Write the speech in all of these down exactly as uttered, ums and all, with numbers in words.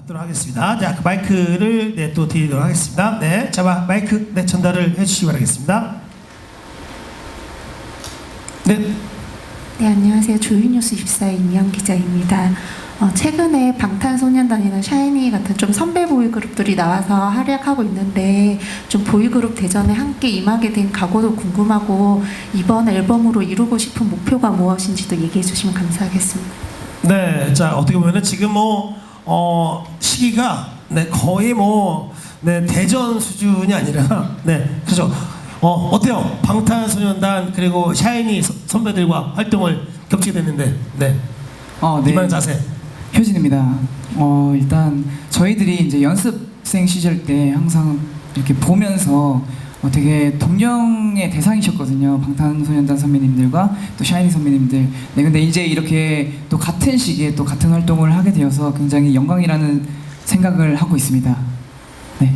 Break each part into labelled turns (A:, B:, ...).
A: 받도록 하겠습니다. 자, 그 마이크를 네, 또 드리도록 하겠습니다. 네, 자, 마- 마이크 네, 전달을 해주시기 바라겠습니다. 네,
B: 네, 안녕하세요. 조이뉴스 이십사의 임영 기자입니다. 어, 최근에 방탄소년단이나 샤이니 같은 좀 선배 보이그룹들이 나와서 활약하고 있는데 좀 보이그룹 대전에 함께 임하게 된 각오도 궁금하고 이번 앨범으로 이루고 싶은 목표가 무엇인지도 얘기해 주시면 감사하겠습니다.
A: 네, 자 어떻게 보면은 지금 뭐 어, 시기가 네, 거의 뭐 네, 대전 수준이 아니라 네, 그죠? 어, 어때요? 방탄소년단 그리고 샤이니 서- 선배들과 활동을 겹치게 됐는데, 네,
C: 어, 네.
A: 이만 자세.
C: 효진입니다. 어, 일단 저희들이 이제 연습생 시절 때 항상 이렇게 보면서 어, 되게 동경의 대상이셨거든요. 방탄소년단 선배님들과 또 샤이니 선배님들. 네, 근데 이제 이렇게 또 같은 시기에 또 같은 활동을 하게 되어서 굉장히 영광이라는 생각을 하고 있습니다. 네.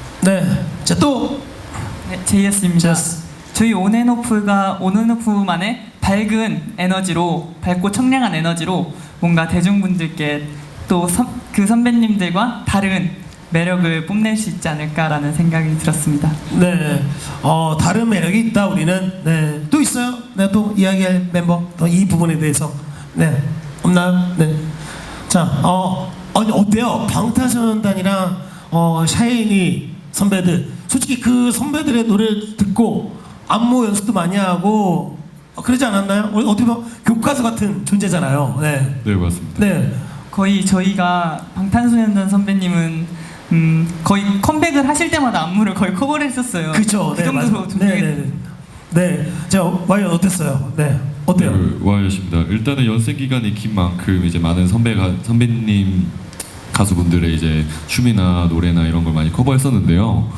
A: 네, 자 또
D: 네, 제이에스입니다.
A: 제이에스.
D: 저희 온앤오프가 온앤오프만의 밝은 에너지로, 밝고 청량한 에너지로 뭔가 대중분들께 또 그 선배님들과 다른 매력을 뽐낼 수 있지 않을까라는 생각이 들었습니다.
A: 네, 어, 다른 매력이 있다 우리는. 네, 또 있어요? 네, 또 이야기할 멤버 또 이 부분에 대해서 네 없나요? 네, 자, 어, 아니 어때요? 방탄소년단이랑 어, 샤이니 선배들, 솔직히 그 선배들의 노래를 듣고 안무 연습도 많이 하고 어, 그러지 않았나요? 어, 어떻게 보면 교과서 같은 존재잖아요. 네,
E: 네, 맞습니다.
A: 네,
D: 거의 저희가 방탄소년단 선배님은 음, 거의 컴백을 하실 때마다 안무를 거의 커버를 했었어요.
A: 그렇죠.
D: 그
A: 네,
D: 정도로
A: 맞아요. 네,
D: 존경했
A: 네, 네. 네, 자 와이언 어땠어요? 네, 어때요?
E: 네, 와이엇입니다. 일단은 연습 기간이 긴 만큼 이제 많은 선배가 선배님 가수분들의 이제 춤이나 노래나 이런 걸 많이 커버했었는데요.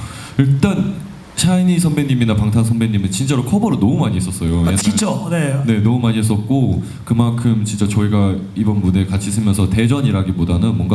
E: 일단 샤이니 선배님이나 방탄 선배님은 진짜로 커버를 너무 많이 했었어요.
A: 아,
E: 옛날-
A: 진짜, 네.
E: 네, 너무 많이 했었고 그만큼 진짜 저희가 이번 무대 같이 쓰면서 대전이라기보다는 뭔가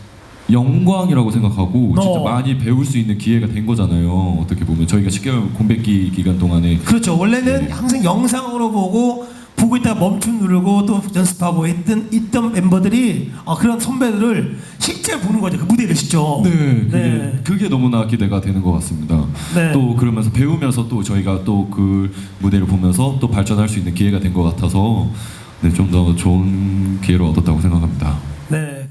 E: 영광이라고 생각하고 진짜
A: 어.
E: 많이 배울 수 있는 기회가 된 거잖아요. 어떻게 보면 저희가 십 개월 공백기 기간 동안에
A: 그렇죠. 원래는
E: 네.
A: 항상 영상으로 보고 보고 있다가 멈춤 누르고 또 연습하고 했던 있던 멤버들이 어, 그런 선배들을 실제 보는 거죠. 그 무대를 직접.
E: 네, 그게,
A: 네.
E: 그게 너무나 기대가 되는 것 같습니다.
A: 네.
E: 또 그러면서 배우면서 또 저희가 또 그 무대를 보면서 또 발전할 수 있는 기회가 된 것 같아서 네, 좀 더 좋은 기회를 얻었다고 생각합니다.
A: 네.